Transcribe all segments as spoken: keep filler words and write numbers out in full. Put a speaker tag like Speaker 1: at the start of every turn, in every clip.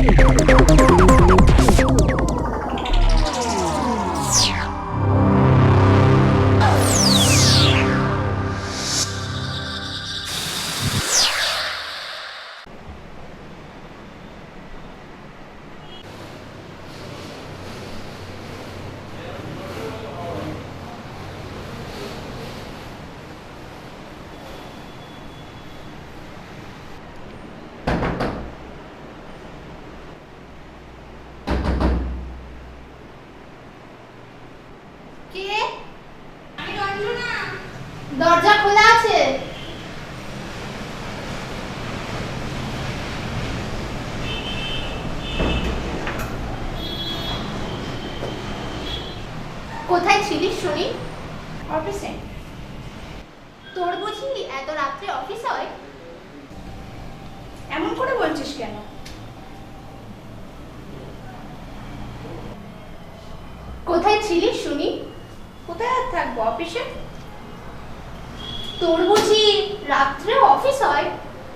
Speaker 1: দরজা খোলা আছে। কোথায় ছিলিস শুনি?
Speaker 2: অফিসে।
Speaker 1: তোর বুঝি এত রাত্রে অফিস হয়?
Speaker 2: এমন করে বলছিস কেন?
Speaker 1: কোথায় ছিলিস শুনি?
Speaker 2: কোথায় আর থাকবো, অফিসে।
Speaker 1: তোর বুঝি রাত্রে অফিস হয়?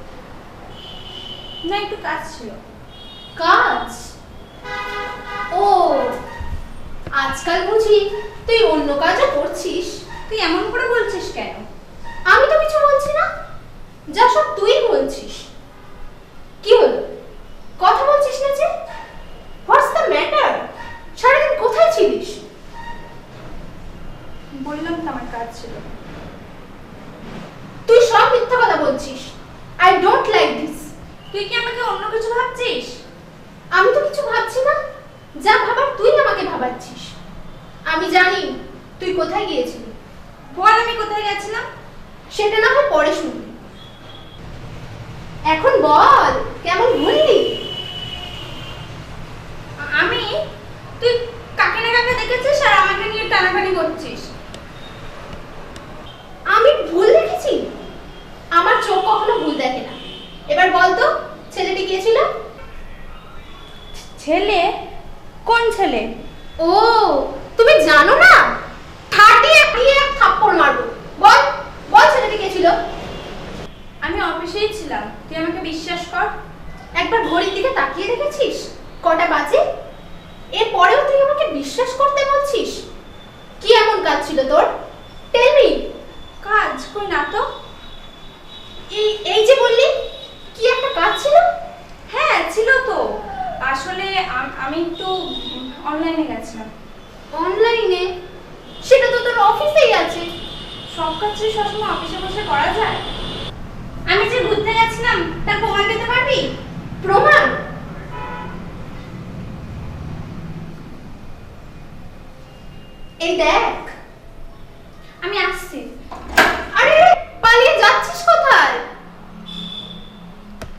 Speaker 2: না, একটু কাজ ছিল।
Speaker 1: কাজ? ও, আজকাল বুঝি তুই অন্য কাজও করছিস?
Speaker 2: তুই এমন করে বলছিস কেন?
Speaker 1: আমি তো কিছু বলছি না, যা সব তুই বলছিস। কি হলো, কথা বলছিস না যে? What's the matter? সারাদিন কোথায় ছিলিস?
Speaker 2: বললাম তো আমার কাজ ছিল।
Speaker 1: তুই সব মিথ্যা কথা বলছিস। I don't like this.
Speaker 2: তুই কি আমাকে অন্য কিছু ভাবছিস?
Speaker 1: আমি তো কিছু ভাবছি না, যা ভাবার তুই আমাকে ভাবাচ্ছিস। আমি জানি তুই কোথায় গিয়েছিলি।
Speaker 2: বল আমি কোথায় গেছিলাম।
Speaker 1: সেটা না হয় পরে শুনবি, এখন বল কেমন ভুললি?
Speaker 2: আমি? তুই কাকে না কাকে দেখেছিস আর আমাকে নিয়ে টানাটানি করছিস।
Speaker 1: আমি ভুল দেখেছি? আমার চোখ কখনো ভুল দেখে না। এবার বল তো, ছেলেটি গিয়েছিল?
Speaker 2: ছেলে? কোন ছেলে?
Speaker 1: ও, তুমি জানো না? ঠাটিয়ে দিয়ে এক থাপ্পড় মারবো। বল বল ছেলেটি গিয়েছিল?
Speaker 2: আমি অফিসেই ছিলাম, তুই আমাকে বিশ্বাস কর।
Speaker 1: একবার ঘড়ির দিকে তাকিয়ে দেখেছিস কটা বাজে? এরপরেও তুই আমাকে বিশ্বাস করতে বলছিস? কি এমন কাজ ছিল তোর? Tell me.
Speaker 2: কাজ কই না তো।
Speaker 1: এই এই যে বললি কি একটা কাজ ছিল?
Speaker 2: হ্যাঁ ছিল তো, আসলে আম- আমি একটু অনলাইনে গেছিলাম।
Speaker 1: অনলাইনে? সেটা তো তোর অফিসেই আছে।
Speaker 2: সব কাজ কি সবসময় অফিসে বসে করা যায়? আমি যে ঘুরতে গেছিলাম তার প্রমাণ দিতে পারবি?
Speaker 1: প্রমাণ? এই দেখ,